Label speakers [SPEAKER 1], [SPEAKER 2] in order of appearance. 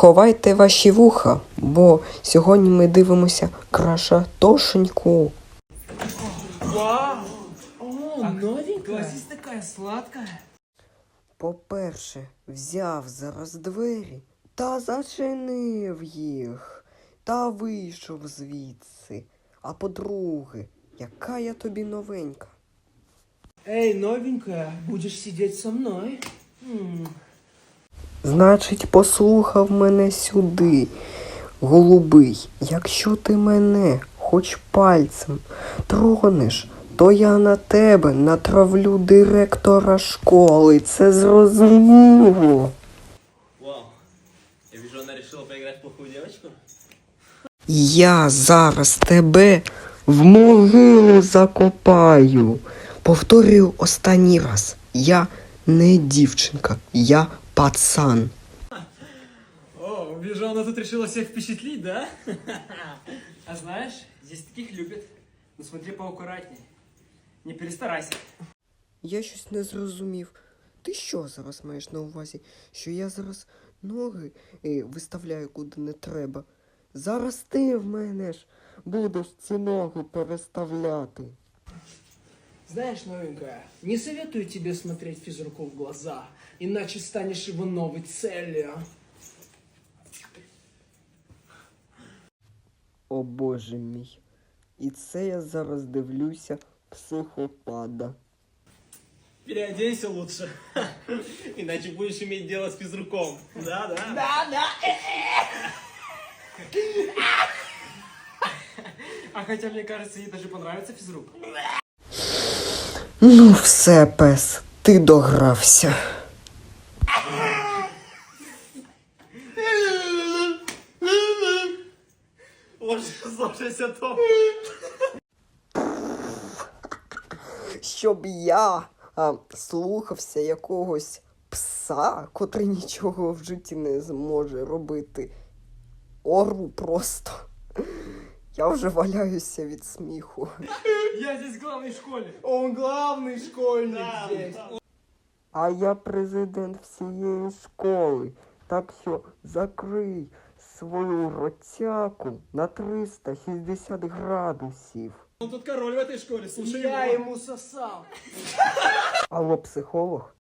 [SPEAKER 1] Сховайте ваші вуха, бо сьогодні ми дивимося крашатошеньку.
[SPEAKER 2] Вау! О, новенькая. Здесь такая сладкая.
[SPEAKER 1] По-перше, взяв зараз двері та зачинив їх, та вийшов звідси. А по-друге, яка я тобі новенька.
[SPEAKER 2] Эй, новенькая, будешь сидеть со мной?
[SPEAKER 1] Значить, послухав мене сюди, голубий. Якщо ти мене хоч пальцем тронеш, то я на тебе натравлю директора школи. Це зрозуміло.
[SPEAKER 3] Вау. Я вижу, она решила поиграть в плохую девочку.
[SPEAKER 1] Я зараз тебе в могилу закопаю. Повторюю останній раз. Я не дівчинка, я пацан.
[SPEAKER 2] О, вижу, она тут решила всех впечатлить, да? А знаешь, здесь таких любят. Ну смотри поаккуратней. Не перестарайся.
[SPEAKER 1] Я щось не зрозумів. Ти що зараз маєш на увазі? Що я зараз ноги виставляю куди не треба? Зараз ти в мене ж будеш ці ноги переставляти.
[SPEAKER 2] Знаешь, новенькая, не советую тебе смотреть физруку в глаза, иначе станешь его новой целью.
[SPEAKER 1] О боже мій. І це я зараз дивлюся психопада.
[SPEAKER 3] Переоденься лучше. Иначе будешь иметь дело с физруком. Да.
[SPEAKER 2] А хотя, мне кажется, ей даже понравится физрук.
[SPEAKER 1] Ну все, пес, ти догрався.
[SPEAKER 3] Ложься, Том.
[SPEAKER 1] Щоб я слухався якогось пса, котрий нічого в житті не зможе робити. Ору просто. Я вже валяюся від сміху.
[SPEAKER 2] Я здесь главный в школе. Он главный школьник здесь.
[SPEAKER 1] А я президент всієї школи. Так що закрий свою ротяку на 360 градусів.
[SPEAKER 3] Он тут король в этой школе, слушай
[SPEAKER 2] Я
[SPEAKER 3] его.
[SPEAKER 2] ему сосал.
[SPEAKER 1] Алло, психолог?